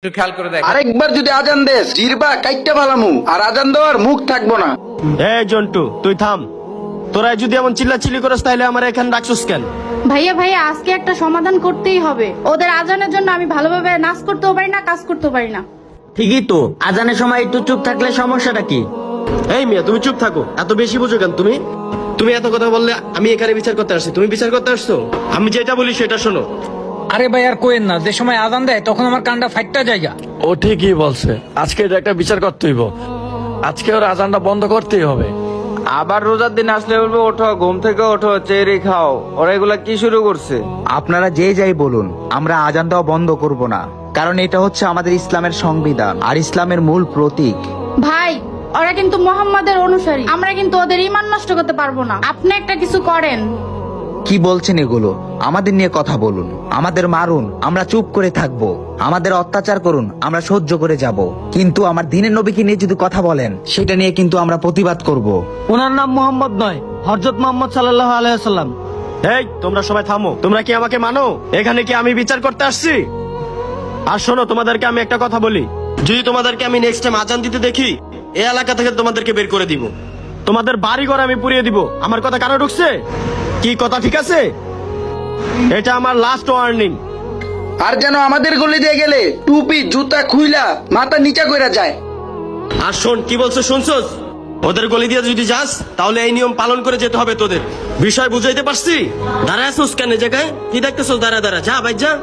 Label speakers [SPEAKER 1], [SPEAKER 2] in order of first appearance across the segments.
[SPEAKER 1] একটু খেয়াল করে দেখ।
[SPEAKER 2] আরেকবার যদি আজান দেস জিরবা কাইটটা ভালামু, আর আজান দেওয়ার মুখ থাকবো না।
[SPEAKER 3] এই জন্টু তুই থাম, তোরা যদি এমন চিল্লাচিল্লি করস তাহলে আমার এখানে রাখছিস কেন?
[SPEAKER 4] ভাইয়া ভাইয়া আজকে একটা সমাধান করতেই হবে। ওদের আজানের জন্য আমি ভালোভাবে নাচ করতেও পারি না, কাজ করতেও পারি না।
[SPEAKER 5] ঠিকই তো, আজানের সময় একটু চুপ থাকলে সমস্যাটা কি?
[SPEAKER 3] এই মিয়া তুমি চুপ থাকো, এত বেশি বুঝো কেন তুমি? তুমি এত কথা বললে আমি এখানে বিচার করতে আসছি, তুমি বিচার করতে আসছো? আমি যেটা বলি সেটা শোনো।
[SPEAKER 6] আরে ভাই আর কোয়েন না, যে সময় আজান দেয় তখন আমার কানটা ফাইটটা জায়গা।
[SPEAKER 7] ও ঠিকই বলছে, আজকে এটা একটা বিচার করতে হইব। আজকে ওর আজানটা বন্ধ করতেই হবে।
[SPEAKER 1] আবার রোজার দিন আসলে বলবো ওঠো, ঘুম থেকে ওঠো, চেরি খাও। ওরা এগুলা কি শুরু করছে?
[SPEAKER 8] আপনারা যে যাই বলুন, আমরা আজান দেওয়া বন্ধ করব না, কারণ এটা হচ্ছে আমাদের ইসলামের সংবিধান আর ইসলামের মূল প্রতীক।
[SPEAKER 4] ভাই ওরা কিন্তু মোহাম্মদের অনুসারী, আমরা কিন্তু ওদের ঈমান নষ্ট করতে পারবো না। আপনি একটা কিছু করেন।
[SPEAKER 8] কি বলছেন এগুলো? আমাদের নিয়ে কথা বলুন, আমাদের মারুন, আমরা চুপ করে থাকবো, আমাদের অত্যাচার করুন, আমরা সহ্য করে যাব, কিন্তু আমার দিনের নবীকে নিয়ে যদি কথা বলেন সেটা নিয়ে কিন্তু আমরা প্রতিবাদ করব।
[SPEAKER 5] ওনার নাম মোহাম্মদ নয়, হযরত মুহাম্মদ সাল্লাল্লাহু আলাইহি ওয়াসাল্লাম।
[SPEAKER 3] এই তোমরা সবাই থামো, তোমরা কি আমাকে মানো? এখানে কি আমি বিচার করতে আসছি? আর শোনো, তোমাদেরকে আমি একটা কথা বলি, যদি তোমাদেরকে আমি নেক্সট টাইম আজান দিতে দেখি এই এলাকা থেকে তোমাদেরকে বের করে দিব, তোমাদের বাড়ি ঘর আমি পুড়িয়ে দিব। আমার কথা কানে ঢুকছে? কি কথা ঠিক আছে? এটা আমার লাস্ট ওয়ার্নিং।
[SPEAKER 2] আর যেন আমাদের গলি দিয়ে গেলে টুপি জুতা খুইলা মাথা নিচা কইরা যায়।
[SPEAKER 3] আর শোন, কি বলছো শুনছস? ওদের গলি দিয়ে যদি যাস তাহলে এই নিয়ম পালন করে যেতে হবে তোদের। বিষয় বুঝাইতে পারছি? দাঁড়ায় আছোস কেন জায়গায়? কি দেখতেছস? দাঁড়া দাঁড়া, যা ভাই যা।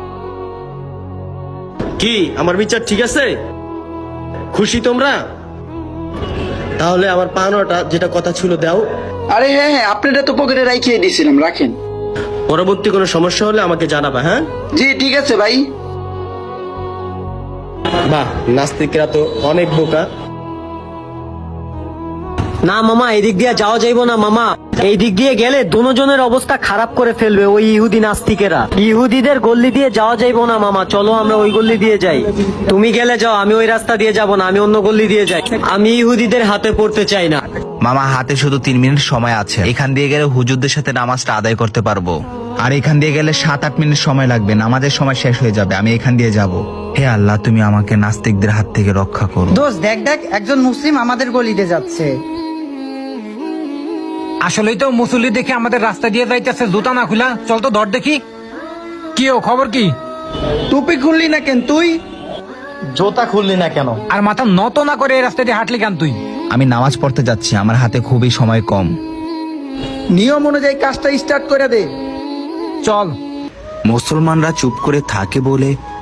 [SPEAKER 3] কি আমার বিচার ঠিক আছে? খুশি তোমরা? তাহলে আমার পাওনাটা যেটা কথা ছিল দাও।
[SPEAKER 2] আরে হ্যাঁ হ্যাঁ, আপনারা তো পকেটে রাখিয়ে দিয়েছিলাম, রাখেন।
[SPEAKER 3] পরবর্তী কোনো সমস্যা হলে আমাকে জানাবা, হ্যাঁ?
[SPEAKER 2] জি ঠিক আছে ভাই।
[SPEAKER 3] বাহ, নাস্তিকরা তো অনেক বোকা।
[SPEAKER 5] না মামা, এই দিক দিয়ে যাওয়া যাইবো না মামা। এই দিক দিয়ে গেলে দুজনের অবস্থা খারাপ করে ফেলবে ওই ইহুদি নাস্তিকেরা। ইহুদিদের গল্লি দিয়ে যাওয়া যাইবো না মামা, চলো আমরা ওই গল্লি দিয়ে যাই। তুমি গেলে যাও, আমি ওই রাস্তা দিয়ে যাব না, আমি অন্য গল্লি দিয়ে যাই। আমি ইহুদিদের হাতে পড়তে চাই না।
[SPEAKER 8] মামা, হাতে শুধু 3 মিনিট সময় আছে। এখান দিয়ে গেলে হুজুরদের সাথে নামাজটা আদায় করতে পারবো, আর এখান দিয়ে গেলে 7-8 মিনিট সময় লাগবে, নামাজের সময় শেষ হয়ে যাবে। আমি এখান দিয়ে যাব। হে আল্লাহ, তুমি আমাকে নাস্তিকদের হাত থেকে রক্ষা করো।
[SPEAKER 9] দোস্ত দেখ দেখ, একজন মুসলিম আমাদের গলিতে যাচ্ছে।
[SPEAKER 6] আসলেই তো মুসল্লি দেখে আমাদের রাস্তা দিয়ে যাইতেছে, জুতা না খুলা। চল তো ধর দেখি। কি ও খবর কি?
[SPEAKER 2] টুপি খুললি না কেন তুই?
[SPEAKER 5] জোতা খুললি না কেন?
[SPEAKER 6] আর মাথা নত না করে এই রাস্তা দিয়ে হাঁটলি কেন তুই?
[SPEAKER 8] আমি নামাজ পড়তে যাচ্ছি, আমার হাতে খুবই সময় কম।
[SPEAKER 2] নিয়ম অনুযায়ী কাজটা স্টার্ট করে দে।
[SPEAKER 6] চল।
[SPEAKER 8] মুসলমানরা চুপ করে থাকে বলে